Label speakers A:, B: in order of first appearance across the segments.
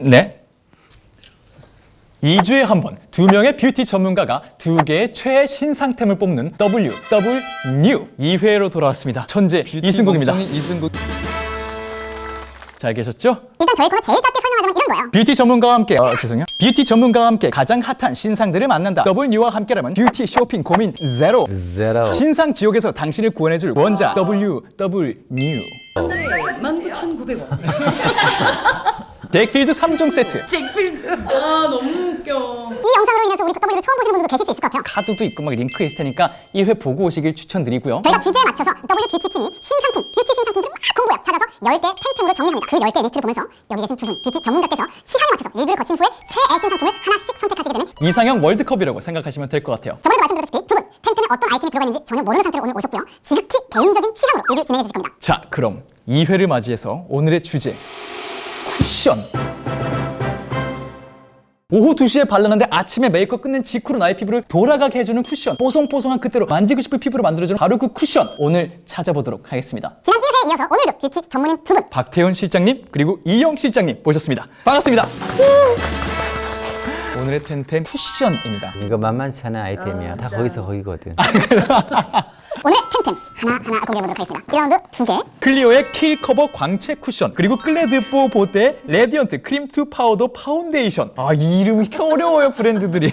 A: 네. 2주에 한 번 2명의 뷰티 전문가가 2개의 최애 신상템을 뽑는 WW New 2회로 돌아왔습니다. 천재 이승국입니다. 이승국. 잘 계셨죠?
B: 일단 저희 코너 제일 짧게 설명하자면 이런 거예요.
A: 뷰티 전문가와 함께 죄송해요. 뷰티 전문가와 함께 가장 핫한 신상들을 만난다. W와 함께라면 뷰티 쇼핑 고민 제로. 신상 지옥에서 당신을 구원해줄 원자 WW New.
C: 19,900원.
A: 덱필드 3종 세트.
C: 잭필드. 아 너무 웃겨.
B: 이 영상으로 인해서 우리 W를 처음 보시는 분들도 계실 수 있을 것 같아요.
A: 카드도 있고 막 링크 있을 테니까 1회 보고 오시길 추천드리고요.
B: 저희가 주제에 맞춰서 W 뷰티 팀이 신상품, 뷰티 신상품들을 막 공부해요. 찾아서 10개 템템으로 정리합니다. 그 10개 리스트를 보면서 여기 계신 두 분 뷰티 전문가께서 취향에 맞춰서 리뷰를 거친 후에 최애 신상품을 하나씩 선택하시게 되는
A: 이상형 월드컵이라고 생각하시면 될 것 같아요.
B: 저번에도 말씀드렸다시피 두 분 템템에 어떤 아이템이 들어가 있는지 전혀 모르는 상태로 오늘 오셨고요. 지극히 개인적인 취향으로 리뷰 진행해 주실 겁니다.
A: 자, 그럼 2회를 맞이해서 오늘의 주제 쿠션. 오후 2시에 발랐는데 아침에 메이크업 끝낸 직후로 나의 피부를 돌아가게 해주는 쿠션. 뽀송뽀송한 그때로 만지고 싶은 피부로 만들어주는 바로 그 쿠션. 오늘 찾아보도록 하겠습니다.
B: 지난 1회에 이어서 오늘도 뷰티 전문인 두 분
A: 박태훈 실장님 그리고 이영 실장님 모셨습니다. 반갑습니다. 오늘의 텐텐 쿠션입니다.
D: 이거 만만치 않은 아이템이야. 다 거기서 거기거든.
B: 오늘의 템템 하나하나 공개해보도록 하겠습니다. 1라운드 2개
A: 클리오의 킬 커버 광채 쿠션 그리고 클레드뽀 보드의 레디언트 크림 투 파우더 파운데이션. 아, 이 이름이 어려워요 브랜드들이.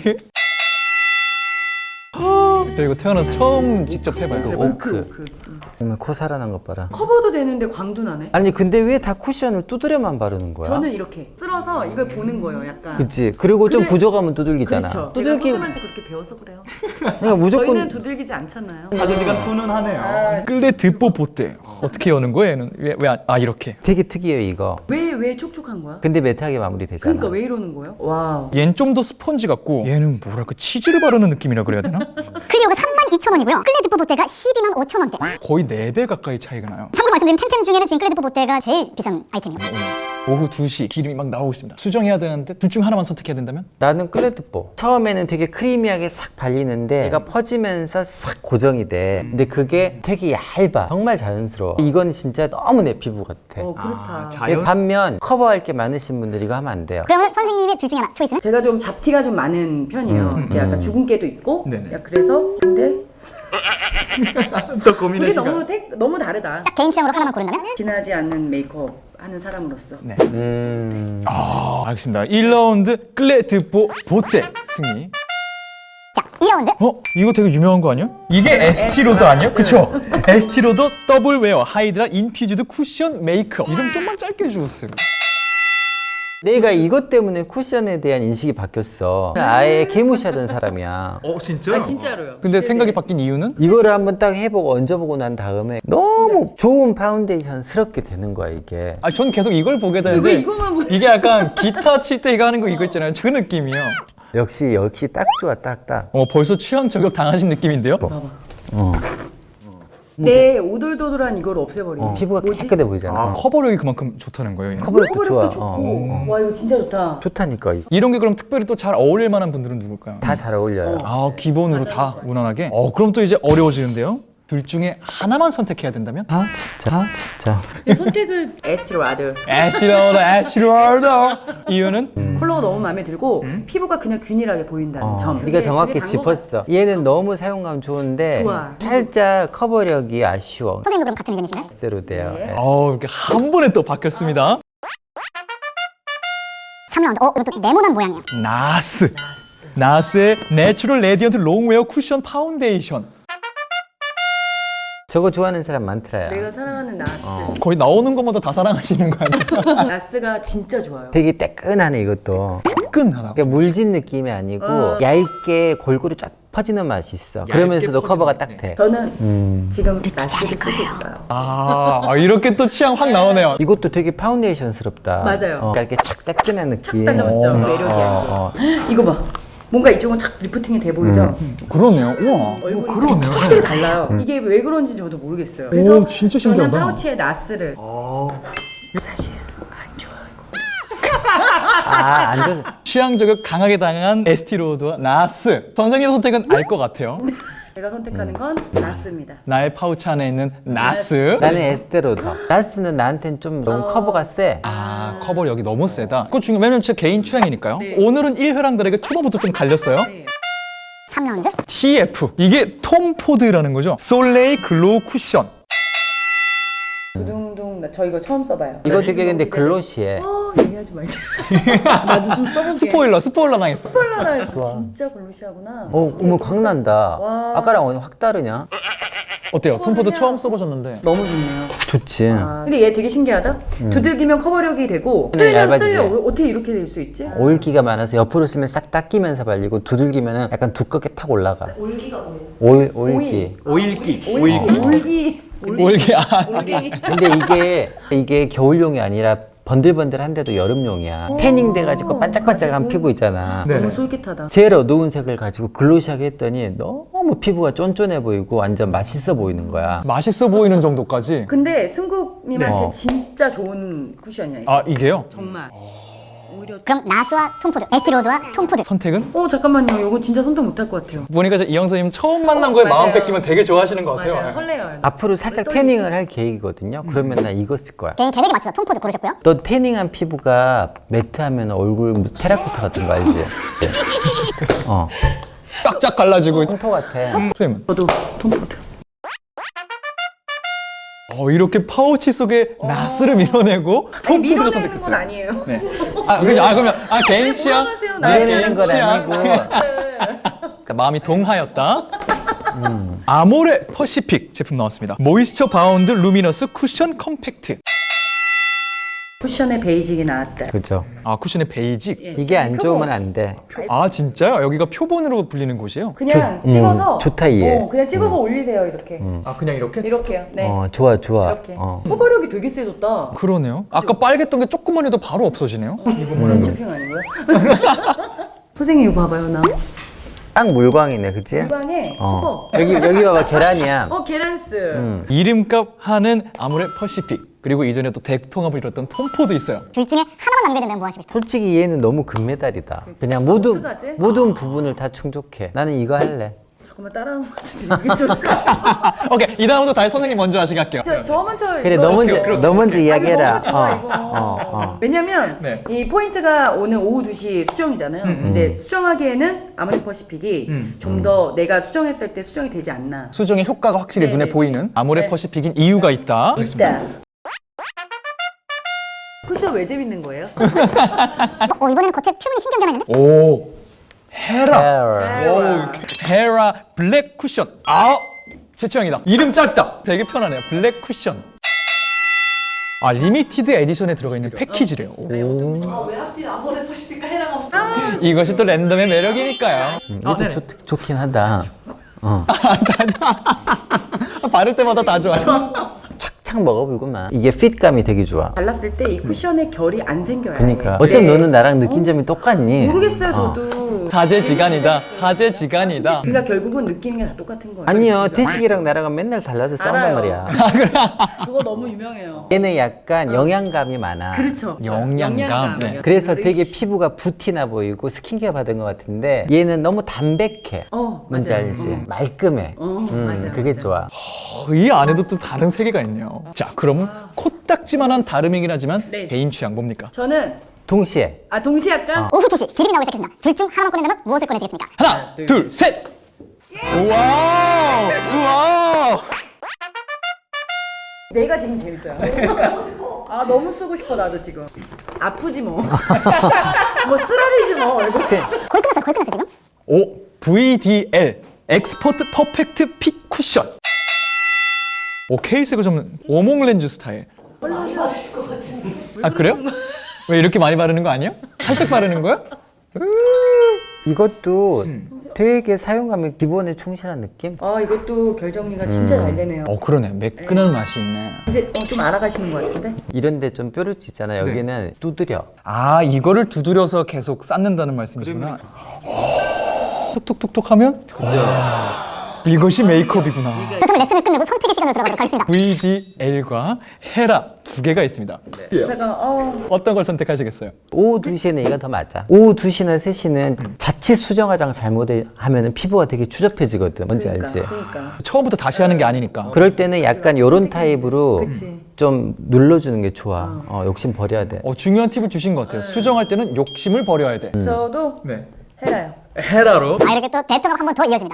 A: 저 이거 태어나서 처음 직접 해봐요.
D: 오크. 그러면 코 살아난 것 봐라.
C: 커버도 되는데 광도 나네.
D: 아니 근데 왜 다 쿠션을 두드려만 바르는 거야?
C: 저는 이렇게 쓸어서 이걸 보는 거예요, 약간.
D: 그치. 그리고 좀
C: 그래-
D: 부족하면 두들기잖아.
C: 그렇죠.
D: 두들기.
C: 제가 선생님한테 그렇게 배워서 그래요.
D: 그러니까 무조건
C: 저희는 두들기지 않잖아요.
A: 사조직은 훈훈하네요. 클레드뽀 보드 어떻게 여는 거예요? 얘는 이렇게.
D: 되게 특이해요 이거.
C: 왜 촉촉한 거야?
D: 근데 매트하게 마무리되잖아.
C: 그러니까 왜 이러는 거예요? 와우.
A: 얘는 좀 더 스펀지 같고 얘는 뭐랄까 치즈를 바르는 느낌이라 그래야 되나?
B: 클리오가 32,000원이고요. 클레드뽀 보테가 125,000원대.
A: 거의 4배 가까이 차이가 나요.
B: 참고로 말씀드리면 템템 중에는 지금 클레드뽀 보테가 제일 비싼 아이템이에요.
A: 오후 2시 기름이 막 나오고 있습니다. 수정해야 되는데 둘 중 하나만 선택해야 된다면?
D: 나는 클레드뽀. 처음에는 되게 크리미하게 싹 발리는데 얘가 퍼지면서 싹 고정이 돼. 근데 그게 되게 얇아. 정말 자연스러워. 이건 진짜 너무 내 피부 같아.
C: 그렇다.
D: 근데 반면 커버할 게 많으신 분들 이거 하면 안 돼요.
B: 그러면 선생님의 둘 중에 하나 초이스는?
C: 제가 좀 잡티가 좀 많은 편이에요. 이게 약간 주근깨도 있고.
A: 네네.
C: 야, 그래서 근데
A: 또
C: 둘이 너무 다르다.
B: 딱 개인 취향으로 하나만 고른다면?
C: 진하지 않는 메이크업 하는 사람으로서.
A: 네. 알겠습니다. 1라운드 클레드뽀 보테 승리.
B: 자, 2라운드
A: 이거 되게 유명한 거 아니야? 이게 에스티로더 아니야? 그쵸? 에스티로더 더블 웨어 하이드라 인퓨즈드 쿠션 메이크업. 이름 좀만 짧게 해주셨어요.
D: 내가 이것 때문에 쿠션에 대한 인식이 바뀌었어. 아예 개무시하던 사람이야.
A: 진짜?
C: 아 진짜로요.
A: 근데 생각이 바뀐 이유는?
D: 이거를 한번 딱 해보고 얹어보고 난 다음에 너무 좋은 파운데이션스럽게 되는 거야 이게.
A: 전 계속 이걸 보게 되는데
C: 왜 이거만 보는
A: 이게 약간 기타 칠 때 이거 하는 거 이거 있잖아요. 그 느낌이요.
D: 역시 딱 좋아 딱.
A: 벌써 취향 저격 당하신 느낌인데요?
C: 내 오돌도돌한 이걸 없애버리는.
D: 피부가 깨끗해 보이잖아.
A: 커버력이 그만큼 좋다는 거예요. 얘는?
D: 커버력도 좋아.
C: 좋고. 와 이거 진짜 좋다.
D: 좋다니까. 이거.
A: 이런 게 그럼 특별히 또 잘 어울릴 만한 분들은 누굴까요?
D: 다 잘 어울려요.
A: 기본으로 다 무난하게? 그럼 또 이제 어려워지는데요? 둘 중에 하나만 선택해야 된다면?
D: 진짜.
C: 선택을 에스티로아드.
A: 에스티로더 이유는?
C: 컬러가 너무 마음에 들고 피부가 그냥 균일하게 보인다는 점.
D: 네가
C: 그게
D: 정확히
C: 되게
D: 짚었어. 얘는 너무 사용감 좋은데
C: 좋아.
D: 살짝 커버력이 아쉬워.
B: 선생님도 그럼 같은 의견이신가요?
D: 대로 돼요.
C: 네.
A: 이렇게 한 번에 또 바뀌었습니다.
B: 3라운드 이것도 네모난 모양이에요.
A: 나스의 내추럴 레디언트 롱웨어 쿠션 파운데이션.
D: 저거 좋아하는 사람 많더라요.
C: 내가 사랑하는 나스.
A: 거의 나오는 것마다 다 사랑하시는 거 아니에요?
C: 나스가 진짜 좋아요.
D: 되게 따끈하네 이것도.
A: 끈하다.
D: 그러니까 물진 느낌이 아니고 얇게 골고루 쫙 퍼지는 맛이 있어. 그러면서도 커버가 딱 돼.
C: 저는 지금 나스를 쓰고 있어요.
A: 이렇게 또 취향 확 나오네요.
D: 이것도 되게 파운데이션스럽다.
C: 맞아요.
D: 그러니까 이렇게 착 따끈한 느낌.
C: 달라붙죠. 매력이야. 이거 봐. 뭔가 이쪽은 착 리프팅이 돼 보이죠?
A: 그러네요. 우와.
C: 얼굴이 확실히 달라요. 이게 왜 그런지 저도 모르겠어요. 그래서
A: 진짜
C: 저는
A: 신기하다.
C: 파우치에 나스를 사실 안 좋아요 이거.
D: 안 좋아.
A: 취향 저격 강하게 당한 에스티로드와 나스. 선생님 선택은 알 것 같아요.
C: 제가 선택하는 건 나스입니다.
A: 나의 파우치 안에 있는 나스.
D: 나는 에스테로더. 나스는 나한텐 좀 너무 커버가 세.
A: 아, 커버력이 너무 세다. 그거 중요해. 왜냐면 제 개인 취향이니까요.
C: 네.
A: 오늘은 1회랑들에게 초반부터 좀 갈렸어요.
C: 네.
B: 3라운드
A: TF. 이게 톰 포드라는 거죠. 솔레이 글로우 쿠션.
C: 두둥둥 저 이거 처음 써봐요.
D: 이거 되게 근데 글로시해.
C: 얘기하지 말자. 나도 좀 써볼게.
A: 스포일러 당했어.
C: 스포일러 진짜 글로시하구나.
D: 어머 광난다.
C: 와.
D: 아까랑 오늘 확 다르냐?
A: 어때요? 톰 포드 처음 써보셨는데.
C: 너무 좋네요.
D: 좋지.
C: 근데 얘 되게 신기하다. 두들기면 커버력이 되고
D: 네,
C: 쓰면
D: 얇아지지.
C: 어떻게 이렇게 될 수 있지?
D: 오일기가 많아서 옆으로 쓰면 싹 닦이면서 발리고 두들기면 약간 두껍게 탁 올라가.
C: 올기가 뭐예요?
D: 오일기.
A: 오일기.
C: 올기.
A: 오일기. 아,
D: 근데 이게 겨울용이 아니라 번들번들한데도 여름용이야. 태닝 돼가지고 반짝반짝한 피부 있잖아.
A: 네.
C: 너무 솔깃하다.
D: 제일 어두운 색을 가지고 글로시하게 했더니 너무 피부가 쫀쫀해 보이고 완전 맛있어 보이는 거야.
A: 맛있어 보이는 정도까지.
C: 근데 승국님한테
D: 네.
C: 진짜 좋은 쿠션이야.
A: 아, 이게요?
C: 정말. 오히려
B: 그럼 나스와 톰포드, 에스티로드와 톰포드
A: 선택은?
C: 잠깐만요. 이거 진짜 선택 못할 것 같아요.
A: 보니까 이영 선생님 처음 만난 거에 마음
C: 맞아요.
A: 뺏기면 되게 좋아하시는 것 같아요.
C: 맞아요. 설레요.
D: 앞으로 살짝 태닝을 할 계획이거든요. 그러면 나 이거 쓸 거야.
B: 개인 계획에 맞춰서 톰포드 고르셨고요.
D: 너 태닝한 피부가 매트하면 얼굴 테라코타 같은 거 알지? 어.
A: 쫙쫙 갈라지고.
D: 콩토 같아.
A: 선생님은?
C: 저도 톰포드.
A: 이렇게 파우치 속에 나스를 밀어내고
C: 아니,
A: 톰 포드가
C: 밀어내는 건
A: 선택했어요.
C: 아니에요.
A: 네. 그러면 개인 취향?
C: 하세요?
A: 네,
D: 밀어내는
A: 개인
D: 건
A: 취향.
D: 아니고
A: 그러니까 마음이 동하였다. 아모레 퍼시픽 제품 나왔습니다. 모이스처 바운드 루미너스 쿠션 컴팩트.
C: 쿠션의 베이직이 나왔다.
D: 그죠.
A: 아, 쿠션의 베이직.
D: 이게 안 좋으면 안 돼.
A: 아, 진짜요? 여기가 표본으로 불리는 곳이에요?
C: 그냥 찍어서
D: 좋다, 얘.
C: 그냥 찍어서 올리세요 이렇게.
A: 아, 그냥 이렇게?
C: 이렇게요. 네.
D: 좋아.
C: 이렇게. 커버력이 되게 세졌다.
A: 그러네요. 아까 빨갰던 게 조금만 해도 바로 없어지네요.
C: 그런 쇼핑 아니고요? 선생님 이거 봐봐요 나.
D: 딱 물광이네, 그치?
C: 물방에 커버.
D: 여기 봐봐, 계란이야.
C: 계란스.
A: 이름값 하는 아모레 퍼시픽. 그리고 이전에 또 대통합을 이뤘던 톰포도 있어요.
B: 둘 중에 하나만 남겨야 된다면 뭐 하시겠어요?
D: 솔직히 얘는 너무 금메달이다. 그냥
C: 어떡하지?
D: 모든 부분을 다 충족해. 나는 이거 할래.
C: 잠깐만 따라하는 것 같은데 이게 좀.
A: 오케이, 이 다음부터 다시 선생님 먼저 하시갈게요.
C: 저 먼저.
D: 그래,
C: 이거-
D: 너 먼저 이야기해라.
C: 너무 좋아 이거. 왜냐면
A: 네.
C: 이 포인트가 오늘 오후 2시 수정이잖아요. 근데 수정하기에는 아모레 퍼시픽이 좀 더 내가 수정했을 때 수정이 되지 않나.
A: 수정의 효과가 확실히
C: 네,
A: 눈에
C: 네.
A: 보이는 아모레
C: 네.
A: 퍼시픽인 이유가 있다.
C: 있다. 쿠션 왜 재밌는 거예요?
B: 이번에는 겉에 표면이 신경전 했는데?
A: 오, 헤라.
C: 헤라.
A: 헤라 블랙 쿠션. 제 취향이다. 이름 짧다. 되게 편하네요. 블랙 쿠션. 리미티드 에디션에 들어가 있는 패키지래요.
C: 왜 하필 아모레 퍼시픽과 헤라가
A: 이것이 또 랜덤의 매력이니까요.
D: 이것도 좋긴 하다.
A: 바를 때마다 다 좋아요.
D: 착착 먹어보구만. 이게 핏감이 되게 좋아.
C: 발랐을 때 이 쿠션의 결이 안 생겨요.
D: 그러니까 어쩜 너는 나랑 느낀 점이 똑같니?
C: 모르겠어요 저도.
A: 사제지간이다. 사제지간이다.
C: 그러니까 결국은 느끼는 게 다 똑같은 거예요.
D: 아니요, 태식이랑 나랑은 맨날 달라서 싸운단
C: 알아요.
D: 말이야.
C: 그거 너무 유명해요.
D: 얘는 약간 영양감이 많아.
C: 그렇죠.
A: 영양감. 네.
D: 그래서 되게 피부가 부티나 보이고 스킨케어 받은 것 같은데 얘는 너무 담백해. 뭔지
C: 맞아요.
D: 알지? 말끔해.
C: 맞아요.
D: 그게 좋아.
A: 이 안에도 또 다른 세계가 있네요. 자, 그럼 코딱지만한 다름이긴 하지만
C: 네.
A: 개인 취향 뭡니까?
C: 저는
D: 동시에
C: 동시에 약간
B: 오후 2시 기름이 나오기 시작했습니다. 둘 중 하나만 꺼낸다면 무엇을 꺼내시겠습니까?
A: 하나, 둘, 셋. 우와.
C: 내가 지금 재밌어요. 너무 쓰고 싶어 나도 지금. 아프지 뭐. 뭐 쓰라리지 뭐 얼굴.
B: 거의 끝났어요 지금?
A: 오, VDL 엑스포트 퍼펙트 핏 쿠션. 케이스가 좀 오목 렌즈 스타일. 그래요? 왜 이렇게 많이 바르는 거 아니에요? 살짝 바르는 거야?
D: 이것도 되게 사용감이 기본에 충실한 느낌?
C: 이것도 결 정리가 진짜 잘 되네요.
A: 그러네. 매끈한 맛이 있네.
C: 이제 좀 알아가시는 것 같은데?
D: 이런데 좀 뾰루지 있잖아. 여기는 두드려.
A: 이거를 두드려서 계속 쌓는다는 말씀이시구나. 톡톡톡톡 하면 이것이 메이크업이구나.
B: 그렇다면 레슨을 끝내고 선택의 시간으로 들어가도록 하겠습니다.
A: VDL과 헤라 두 개가 있습니다.
C: 잠깐
A: 어떤 걸 선택하시겠어요?
D: 오후 2시에는 이가 더 맞아. 오후 2시나 3시는 자칫 수정 화장 잘못하면 피부가 되게 추접해지거든. 뭔지 알지?
C: 그러니까.
A: 처음부터 다시 하는 게 아니니까.
D: 그럴 때는 약간 요런 타입으로
C: 그치.
D: 좀 눌러주는 게 좋아. 욕심 버려야 돼.
A: 중요한 팁을 주신 것 같아요. 수정할 때는 욕심을 버려야 돼.
C: 저도
A: 네.
C: 헤라요.
A: 헤라로
B: 이렇게 또 대통합 한 번 더 이어집니다.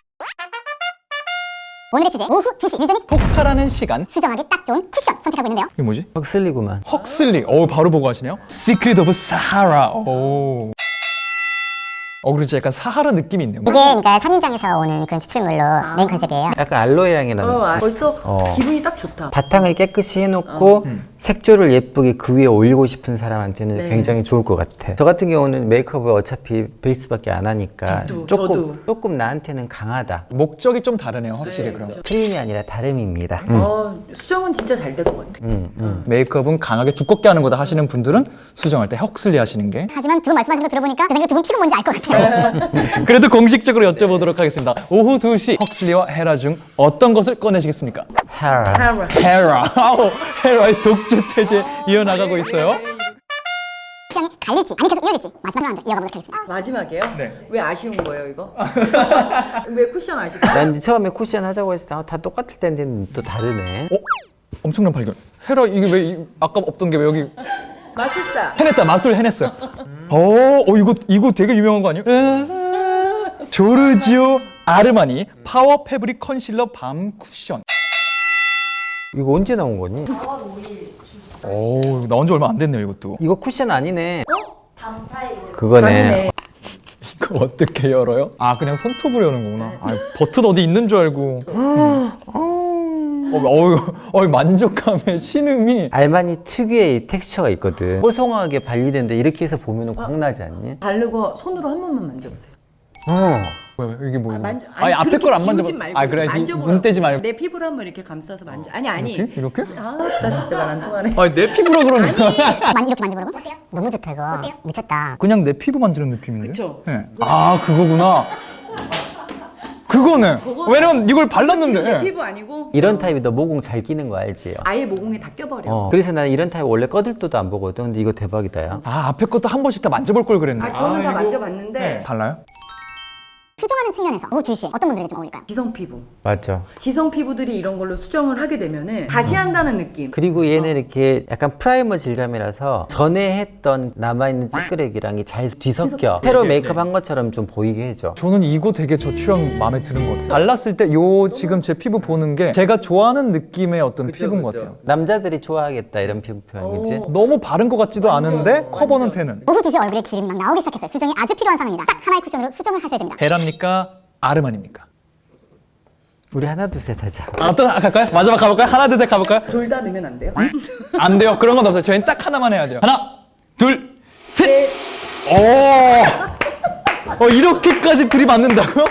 B: 오늘의 주제 오후 2시 유전인
A: 폭발하는 시간.
B: 수정하기 딱 좋은 쿠션 선택하고 있는데요.
A: 이게 뭐지?
D: 헉슬리구만.
A: 헉슬리. 바로 보고 하시네요. Secret of Sahara. 오. 그렇지. 약간 사하라 느낌이 있네요.
B: 이게 그러니까 산인장에서 오는 그런 추출물로 메인 컨셉이에요.
D: 약간 알로에 향이 나는.
C: 벌써 기분이 딱 좋다.
D: 바탕을 깨끗이 해놓고 색조를 예쁘게 그 위에 올리고 싶은 사람한테는
C: 네.
D: 굉장히 좋을 것 같아. 저 같은 경우는 메이크업을 어차피 베이스밖에 안 하니까
C: 저도.
D: 조금 나한테는 강하다.
A: 목적이 좀 다르네요. 확실히
C: 네,
A: 그럼.
D: 틀림이 아니라 다름입니다.
C: 수정은 진짜 잘 될 것 같아.
A: 메이크업은 강하게 두껍게 하는 거다 하시는 분들은 수정할 때 헉슬리 하시는 게.
B: 하지만 두 분 말씀하신 거 들어보니까 제 생각에 두 분 피부 뭔지 알 것 같아요.
A: 그래도 공식적으로 여쭤보도록 하겠습니다. 오후 2시 헉슬리와 헤라 중 어떤 것을 꺼내시겠습니까?
D: 헤라.
A: 헤라. 헤라의 독주 체제 이어나가고 있어요.
B: 취향이 갈릴지 아니 계속 이어질지 마지막으로 이어가보도록 하겠습니다.
C: 마지막이에요?
A: 네.
C: 왜 아쉬운 거예요 이거? 왜 쿠션 아쉽고?
D: 난 처음에 쿠션 하자고 했을 때 다 똑같을 텐데 또 다르네.
A: 엄청난 발견. 헤라 이게 왜 아까 없던 게 왜 여기
C: 마술사.
A: 해냈다. 마술 해냈어요. 이거 되게 유명한 거 아니에요? 조르지오 아르마니 파워 패브릭 컨실러 밤 쿠션.
D: 이거 언제 나온 거니?
A: 나온 지 얼마 안 됐네요, 이것도.
D: 이거 쿠션 아니네. 그거네.
C: 아니네.
A: 이거 어떻게 열어요? 그냥 손톱으로 여는 거구나. 버튼 어디 있는 줄 알고. 만족감의 신음이.
D: 알마니 특유의 텍스처가 있거든. 뽀송하게 발리는데 이렇게 해서 보면 광나지 않니?
C: 바르고 손으로 한 번만 만져보세요.
A: 왜 이게 뭐예요?
C: 만져.
A: 앞에 걸 안 만져봐.
C: 지우지 말고
A: 그래.
C: 만져보라고.
A: 눈 떼지 말고.
C: 내 피부를 한번 이렇게 감싸서 만져. 아니.
A: 이렇게?
C: 나 진짜 말 안 통하네.
A: 내 피부라 그러는 거야.
B: 이렇게 만져보라고? 어때요? 너무 좋다 이거. 어때요? 미쳤다.
A: 그냥 내 피부 만지는 느낌인데?
C: 그쵸.
A: 네. 그거구나. 그거네. 왜냐면 이걸 발랐는데.
C: 내 피부 아니고
D: 이런 타입이 너 모공 잘 끼는 거 알지?
C: 아예 모공에 다 껴버려.
D: 그래서 나는 이런 타입 원래 꺼들떠도 안 보거든. 근데 이거 대박이다 야.
A: 앞에 것도 한 번씩 다 만져볼 걸 그랬네.
C: 저는 다 만져봤는데
A: 달라요?
B: 수정하는 측면에서 오후 2시에 어떤 분들에게 좀 어울릴까요?
C: 지성 피부.
D: 맞죠.
C: 지성 피부들이 이런 걸로 수정을 하게 되면은 다시 한다는 느낌.
D: 그리고 얘는 이렇게 약간 프라이머 질감이라서 전에 했던 남아있는 찌끄레기랑이 잘 뒤섞여. 새로 메이크업 한 것처럼 좀 보이게 해줘.
A: 저는 이거 되게 저 취향 마음에 드는 것 같아요. 발랐을 때 지금 제 피부 보는 게 제가 좋아하는 느낌의 어떤 피부인 것 같아요.
D: 남자들이 좋아하겠다 이런 피부 표현이지.
A: 너무 바른 것 같지도 않은데 커버는 되는.
B: 오후 2시 얼굴에 기름이 막 나오기 시작했어요. 수정이 아주 필요한 상황입니다. 딱 하나의 쿠션으로 수정을 하셔야 됩니다.
A: 헤라입니까? 아르마니입니까?
D: 우리 하나 둘 셋 하자.
A: 어떤 갈까요? 마지막 가볼까요? 하나 둘 셋 가볼까요?
C: 둘 다 넣으면 안 돼요?
A: 안 돼요. 그런 건 없어요. 저희는 딱 하나만 해야 돼요. 하나, 둘, 셋. 이렇게까지 들이받는다고요?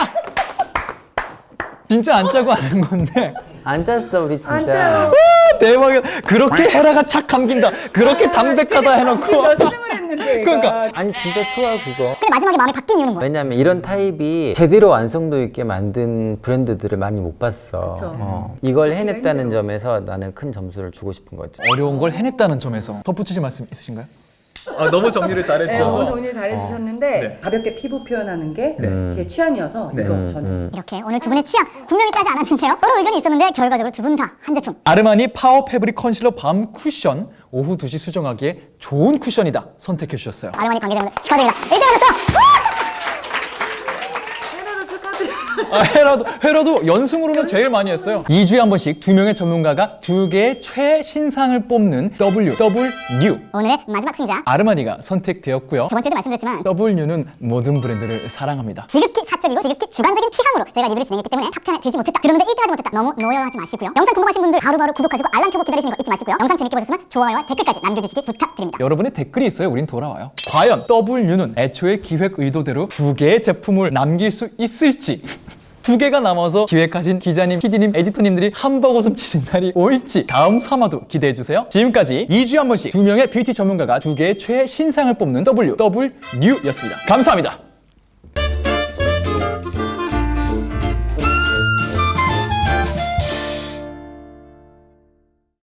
A: 진짜 안 짜고 하는 건데.
D: 안 짰어 우리 진짜.
C: 안 짜요.
A: 대박이야. 그렇게 헤라가 착 감긴다. 그렇게 담백하다 해놓고.
C: 몇 승을 했는데.
A: 그러니까.
D: 아니 진짜 좋아 그거.
B: 근데 마지막에 마음이 바뀐 이유는 뭐예요?
D: 왜냐면 이런 타입이 제대로 완성도 있게 만든 브랜드들을 많이 못 봤어.
C: 그쵸.
D: 이걸 해냈다는 점에서 나는 큰 점수를 주고 싶은 거지.
A: 어려운 걸 해냈다는 점에서 덧붙이실 말씀 있으신가요? 너무 정리를
C: 네, 너무
A: 잘해주셔서.
C: 정리 잘해주셨는데
A: 네.
C: 가볍게 피부 표현하는 게 제 취향이어서 이거 저는
B: 이렇게 오늘 두 분의 취향 분명히 짜지 않았는데요. 서로 의견이 있었는데 결과적으로 두 분 다 한 제품.
A: 아르마니 파워 패브릭 컨실러 밤 쿠션. 오후 2시 수정하기에 좋은 쿠션이다 선택해 주셨어요.
B: 아르마니 관계자분들 축하드립니다. 1등하셨어!
A: 헤라도 연승으로는 제일 많이 했어요. 2주에 한 번씩 두 명의 전문가가 두 개의 최신상을 뽑는 WW.
B: 오늘의 마지막 승자.
A: 아르마니가 선택되었고요.
B: 저번 주에도 말씀드렸지만
A: W는 모든 브랜드를 사랑합니다.
B: 지극히 사적이고 지극히 주관적인 취향으로 제가 리뷰를 진행했기 때문에 탑10에 들지 못했다, 들었는데 1등하지 못했다, 너무 노여하지 마시고요. 영상 궁금하신 분들 바로바로 구독하시고 알람 켜고 기다리시는 거 잊지 마시고요. 영상 재밌게 보셨으면 좋아요와 댓글까지 남겨주시기 부탁드립니다.
A: 여러분의 댓글이 있어요. 우린 돌아와요. 과연 W는 애초에 기획 의도대로 두 개의 제품을 남길 수 있을지, 두 개가 남아서 기획하신 기자님, PD님, 에디터님들이 한바구음 치는 날이 올지 다음 3화도 기대해주세요. 지금까지 2주에 한 번씩 두 명의 뷰티 전문가가 두 개의 최신상을 뽑는 WWNew였습니다. 감사합니다.